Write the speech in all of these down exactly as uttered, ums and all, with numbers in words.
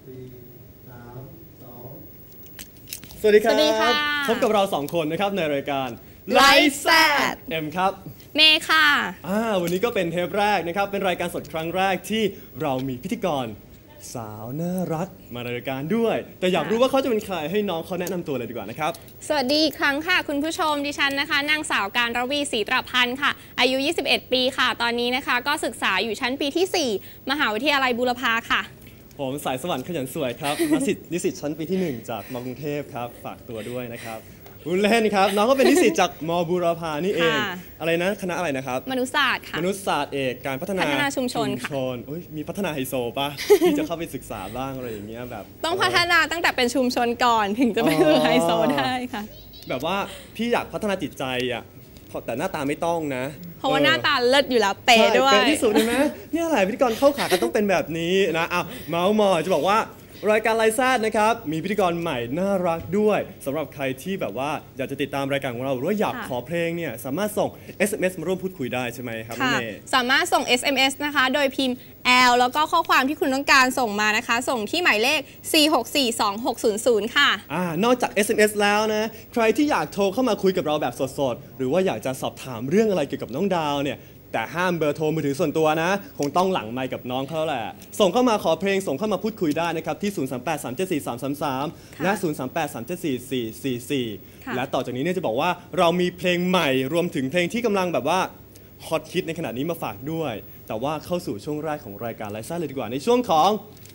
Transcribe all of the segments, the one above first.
สี่สามสองสวัสดีครับสวัสดีค่ะพบกับเราสองคนนะครับในรายการ Life Sad เอ็มครับเมย์ค่ะอ่าวันนี้ก็เป็นเทปแรกนะครับเป็นรายการสดครั้งแรกที่เรามีพิธีกรสาวน่ารักมาในรายการด้วย แต่อยากรู้ว่าเขาจะเป็นใครให้น้องเขาแนะนำตัวเลยดีกว่านะครับสวัสดีอีกครั้งค่ะคุณผู้ชมดิฉันนะคะนางสาวการรวีศรีตรพันธ์ค่ะอายุยี่สิบเอ็ดปีค่ะตอนนี้นะคะก็ศึกษาอยู่ชั้นปีที่สี่มหาวิทยาลัยบูรพาค่ะผมสายสวรรค์ขยันสวยครับ นิสิตนิสิตชั้นปีที่หนึ่งจากมกรุงเทพครับฝากตัวด้วยนะครับบุญเล่นครับน้องก็เป็นนิสิตจากมบูรพานี่เองค่ะอะไรนะคณะอะไรนะครับมนุษยศาสตร์ค่ะมนุษยศาสตร์เอกการพัฒนาพัฒนาชุมชนค่ะอุ๊ยมีพัฒนาไฮโซปะ ที่จะเข้าไปศึกษาบ้างอะไรอย่างเงี้ยแบบต้องพัฒนาตั้งแต่เป็นชุมชนก่อนถึงจะไปถึงไฮโซได้ค่ะแบบว่าพี่อยากพัฒนาจิตใจอ่ะแต่หน้าตาไม่ต้องนะเพราะว่าหน้าตาเลิศอยู่แล้วเป๊ะด้วยใช่เป็นที่สุดเลยไหมเนี่ยแหละพิธีกรเข้าขากันต้องเป็นแบบนี้นะอ้าวเมาส์มอยจะบอกว่ารายการไลฟ์แซดนะครับมีพิธีกรใหม่น่ารักด้วยสำหรับใครที่แบบว่าอยากจะติดตามรายการของเราหรือว่าอยากค่ะขอเพลงเนี่ยสามารถส่ง เอส เอ็ม เอส มาร่วมพูดคุยได้ใช่ไหมครับน้องค่ะเมย์สามารถส่ง เอส เอ็ม เอส นะคะโดยพิมพ์ แอล แล้วก็ข้อความที่คุณต้องการส่งมานะคะ ส่งที่หมายเลข สี่ หก สี่ สอง หก ศูนย์ ศูนย์ ค่ะอ่านอกจาก เอส เอ็ม เอส แล้วนะใครที่อยากโทรเข้ามาคุยกับเราแบบสดๆหรือว่าอยากจะสอบถามเรื่องอะไรเกี่ยวกับน้องดาวเนี่ยแต่ห้ามเบอร์โทรมือถือส่วนตัวนะคงต้องหลังไมค์กับน้องเขาแหละส่งเข้ามาขอเพลงส่งเข้ามาพูดคุยได้นะครับที่ ศูนย์ สาม แปด สาม เจ็ด สี่ สาม สาม สาม และ ศูนย์ สาม แปด สาม เจ็ด สี่ สี่ สี่ สี่ค่ะและต่อจากนี้เนี่ยจะบอกว่าเรามีเพลงใหม่รวมถึงเพลงที่กำลังแบบว่าฮอตฮิตในขณะนี้มาฝากด้วย แต่ว่าเข้าสู่ช่วงแรกของรายการไลฟ์ซ่าเลยดีกว่าในช่วงของ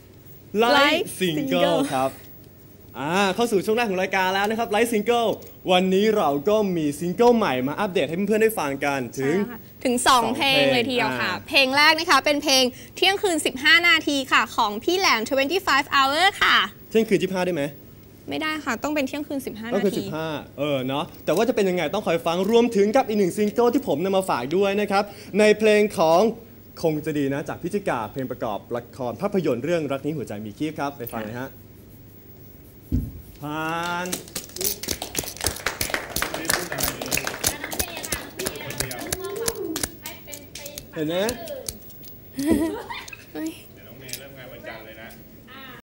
Live Live Single Single ครับ อ่าเข้าสู่ช่วงแรกของรายการแล้วนะครับไลฟ์ซิงเกิลวันนี้เราก็มีซิงเกิลใหม่มาอัปเดตให้เพื่อนๆได้ฟังกันถึงใช่ค่ะถึง สองสองเพลงเพลงเลยทีเดียวค่ะอ่าเพลงแรกนะคะเป็นเพลงเที่ยงคืน สิบห้า นาทีค่ะ ของพี่แหลม ยี่สิบห้า hour ค่ะเที่ยงคืนที่ห้าได้ไหมไม่ได้ค่ะ ต้องเป็นเที่ยงคืน สิบห้าก็นาคือทีสิบห้าเออเนาะแต่ว่าจะเป็นยังไงต้องคอยฟังรวมถึงกับอีกหนึ่งซิงเกิลที่ผมนำมาฝากด้วยนะครับในเพลงของคงจะดีนะจากพิจิกาเพลงประกอบละครภาพยนตร์เรื่องรักนี้หัวใจมีคีบครับไปฟังเลยฮะผ่านเห็นไหม